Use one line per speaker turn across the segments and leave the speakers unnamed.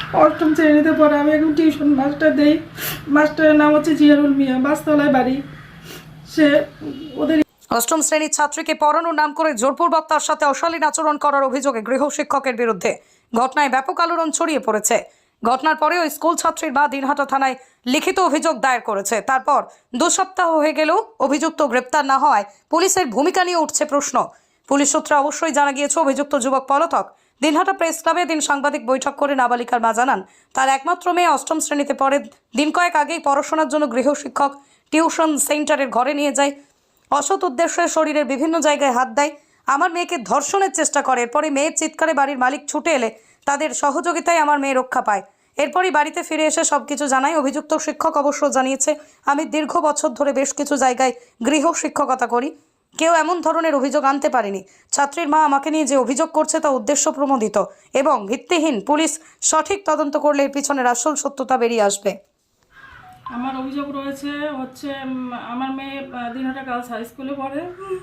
অষ্টম শ্রেণীতে পড়ে। আমি এখন টিউশন মাস্টার দেই। মাস্টারের নাম হচ্ছে জিয়ারুল মিয়া, বাসতলায় বাড়ি। সে ওদের
অষ্টম শ্রেণীর ছাত্রীকে পড়ানোর নাম করে জোরপূর্বক তার সাথে অশালীন আচরণ করার অভিযোগে গৃহ শিক্ষকের বিরুদ্ধে ঘটনায় ব্যাপক আলোড়ন ছড়িয়ে পড়েছে। ঘটনার পরে ওই স্কুল ছাত্রীর মা দিনহাটা থানায় লিখিত অভিযোগ দায়ের করেছে। তারপর 2 সপ্তাহ হয়ে গেলেও অভিযুক্ত গ্রেপ্তার না হওয়ায় পুলিশের ভূমিকা নিয়ে উঠছে প্রশ্ন। পুলিশ সূত্রে অবশ্যই জানা গিয়েছে অভিযুক্ত যুবক পলাতক। দিনহাটা প্রেস ক্লাবে দিন সাংবাদিক বৈঠক করে নাবালিকার মা জানান তার একমাত্র মেয়ে অষ্টম শ্রেণীতে পড়ে। দিন কয়েক আগেই পড়াশোনার জন্য গৃহ শিক্ষক টিউশন সেন্টারের ঘরে নিয়ে যায়। অসৎ উদ্দেশ্যে শরীরের বিভিন্ন জায়গায় হাত দেয়, আমার মেয়েকে ধর্ষণের চেষ্টা করে। এরপরে মেয়ের চিৎকারে বাড়ির মালিক ছুটে এলে তাদের সহযোগিতায় আমার মেয়ে রক্ষা পায়। এরপরই বাড়িতে ফিরে এসে সবকিছু জানায়। অভিযুক্ত শিক্ষক অবশ্য জানিয়েছে, আমি দীর্ঘ বছর ধরে বেশ কিছু জায়গায় গৃহ শিক্ষকতা করি, কেউ এমন ধরনের অভিযোগ আনতে পারেনি। ছাত্রীর মা আমাকে নিয়ে যে অভিযোগ করছে তা উদ্দেশ্য প্রণোদিত এবং ভিত্তিহীন। পুলিশ সঠিক তদন্ত করলে এর পিছনের আসল সত্যতা বেরিয়ে আসবে।
আমার অভিযোগ রয়েছে হচ্ছে আমার মেয়ে দিনহাটা গার্লস হাই স্কুলে পড়ে।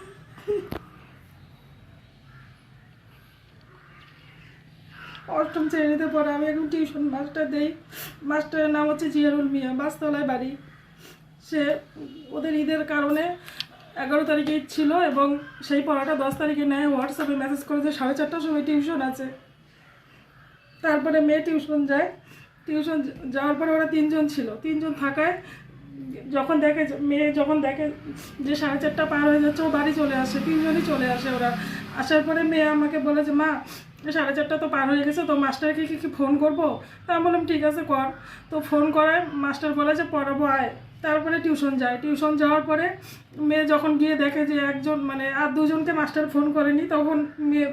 অষ্টম শ্রেণীতে পড়ে। আমি এখন টিউশন মাস্টার দেই। মাস্টারের নাম হচ্ছে জিয়ারুল মিয়া, বাসতলায় বাড়ি। সে ওদের ঈদের কারণে 11 তারিখে ঈদ ছিল এবং সেই পড়াটা 10 তারিখে নেয়। হোয়াটসঅ্যাপে মেসেজ করেছে 4:30টার সময় টিউশন আছে। তারপরে মেয়ে টিউশন যায়। টিউশন যাওয়ার পরে ওরা 3 জন ছিল। 3 জন থাকায় মেয়ে যখন দেখে যে 4:30টা পার হয়ে যাচ্ছে, ও বাড়ি চলে আসে, টিউশনই চলে আসে। ওরা আসার পরে মেয়ে আমাকে বলে যে মা 4:30টা তো পার হয়ে গেছে, তো মাস্টারকে কি ফোন করবো? তা আমি বললাম ঠিক আছে কর। তো ফোন করায় মাস্টার বলে যে পড়াবো আয়। তারপরে টিউশন যায়। টিউশন যাওয়ার পরে মেয়ে যখন গিয়ে দেখে যে একজন আর 2 জনকে মাস্টার ফোন করেনি, তখন মেয়ে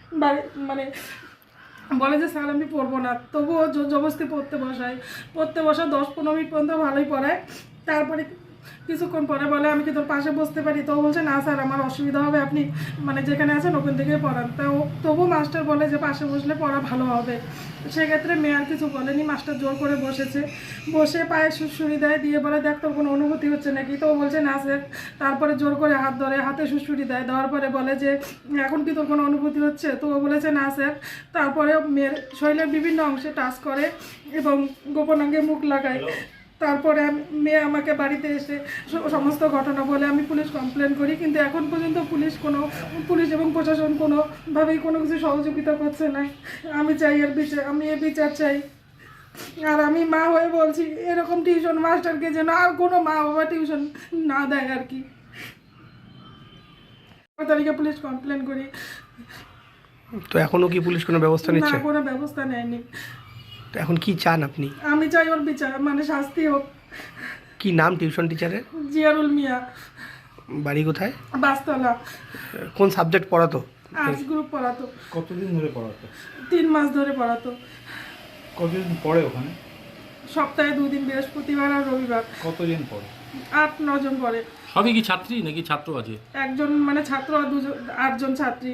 বলে যে স্যার আমি পড়বো না। তবুও জবরদস্তি পড়তে বসা 10-15 মিনিট পর্যন্ত ভালোই পড়ায়। তারপরে কিছুক্ষণ পরে বলে আমি কি তোর পাশে বসতে পারি? তো বলছে না স্যার, আমার অসুবিধা হবে, আপনি যেখানে আছেন ওখান থেকে পড়ান। তবু মাস্টার বলে যে পাশে বসলে পড়া ভালো হবে। সেক্ষেত্রে মেয়ে আর কিছু বলেনি। মাস্টার জোর করে বসে পায়ে সুড়সুড়ি দেয়, দিয়ে বলে দেখ তোর কোনো অনুভূতি হচ্ছে নাকি? তো বলছে না স্যার। তারপরে জোর করে হাত ধরে, হাতে সুড়সুড়ি দেওয়ার পরে বলে যে এখন কি তোর কোনো অনুভূতি হচ্ছে? তো ও বলেছে না স্যার। তারপরে মেয়ের শরীরের বিভিন্ন অংশে টাচ করে এবং গোপনাঙ্গে মুখ লাগায়। তারপরে মেয়ে আমাকে বাড়িতে এসে সমস্ত ঘটনা বলে। আমি পুলিশ কমপ্লেন করি, কিন্তু এখন পর্যন্ত পুলিশ এবং প্রশাসন কোনোভাবেই কোনো কিছু সহযোগিতা করছে না। আমি চাই এর বিচার চাই। আর আমি মা হয়ে বলছি, এরকম টিউশন মাস্টারকে যেন আর কোনো মা বাবা টিউশন না দেয় আর কি। 4 তারিখে পুলিশ কমপ্লেন করি।
তো এখনো কি পুলিশ কোনো ব্যবস্থা নিচ্ছে?
না, কোনো ব্যবস্থা নেয়নি।
তো এখন কি চান আপনি?
আমি চাই ওর বিচার, শাস্তি হোক।
কি নাম টিউশন টিচারের?
জিয়ারুল মিয়া।
বাড়ি কোথায়?
বাসতলা।
কোন সাবজেক্ট পড়াতো?
আর্টস গ্রুপ পড়াতো।
কতদিন ধরে পড়াতো?
3 মাস ধরে পড়াতো।
কতদিন পড়ে ওখানে?
সপ্তাহে 2 দিন, বৃহস্পতিবার আর রবিবার।
কতদিন পড়ে?
8-9 জন পড়ে।
সবই কি ছাত্রী নাকি ছাত্র আছে?
একজন ছাত্র আর 8 জন ছাত্রী।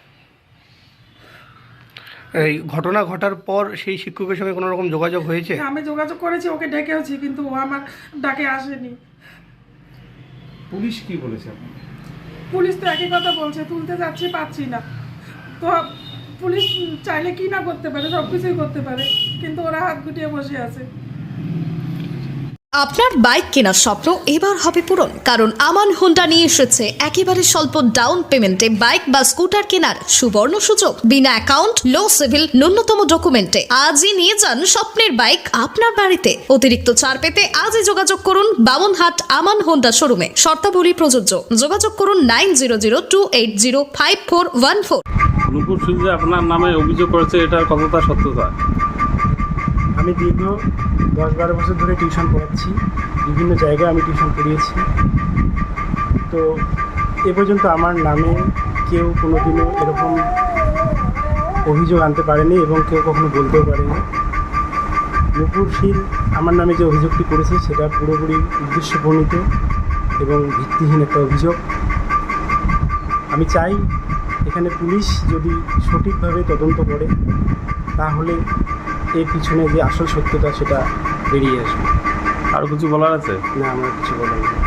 এই ঘটনা ঘটার পর সেই শিক্ষকের সঙ্গে কোনো রকম যোগাযোগ হয়েছে?
আমি যোগাযোগ করেছি, ওকে ডেকেওছি, কিন্তু ও আমার ডাকে আসেনি।
পুলিশ কি বলেছে আপনাকে?
পুলিশ তো একই কথা বলছে, তুলতে যাচ্ছি, পাচ্ছি না। তো পুলিশ চাইলে কি না করতে পারে, সব কিছুই করতে পারে, কিন্তু ওরা হাত গুটিয়ে বসে আছে।
আপনার বাইক কেনার স্বপ্ন এবার হবে পূরণ, কারণ আমান হোন্ডা নিয়ে এসেছে একেবারে স্বল্প ডাউন পেমেন্টে বাইক বা স্কুটার কেনার সুবর্ণ সুযোগ। বিনা অ্যাকাউন্ট, লো সিভিল, ন্যূনতম ডকুমেন্টে আজই নিয়ে যান স্বপ্নের বাইক আপনার বাড়িতে। অতিরিক্ত ছাড় পেতে আজই যোগাযোগ করুন বামনহাট আমান হোন্ডা শোরুমে। শর্তাবলী প্রযোজ্য। যোগাযোগ করুন 9002805414।
নূপুর সিং আপনার নামে অভিযোগ করেছে, এটার কতটা সত্যতা?
আমি দীর্ঘ 10-12 বছর ধরে টিউশন পড়াচ্ছি, বিভিন্ন জায়গায় আমি টিউশন পড়িয়েছি। তো এ পর্যন্ত আমার নামে কেউ কোনোদিনও এরকম অভিযোগ আনতে পারেনি এবং কেউ কখনো বলতেও পারেনি। নূপুর সিং আমার নামে যে অভিযোগটি করেছে সেটা পুরোপুরি উদ্দেশ্যপ্রণীত এবং ভিত্তিহীন একটা অভিযোগ। আমি চাই এখানে পুলিশ যদি সঠিকভাবে তদন্ত করে তাহলে এর পিছনে যে আসল সত্যতা সেটা বেরিয়ে আসবে।
আরও কিছু বলার আছে?
না, আমার কিছু বলার নেই।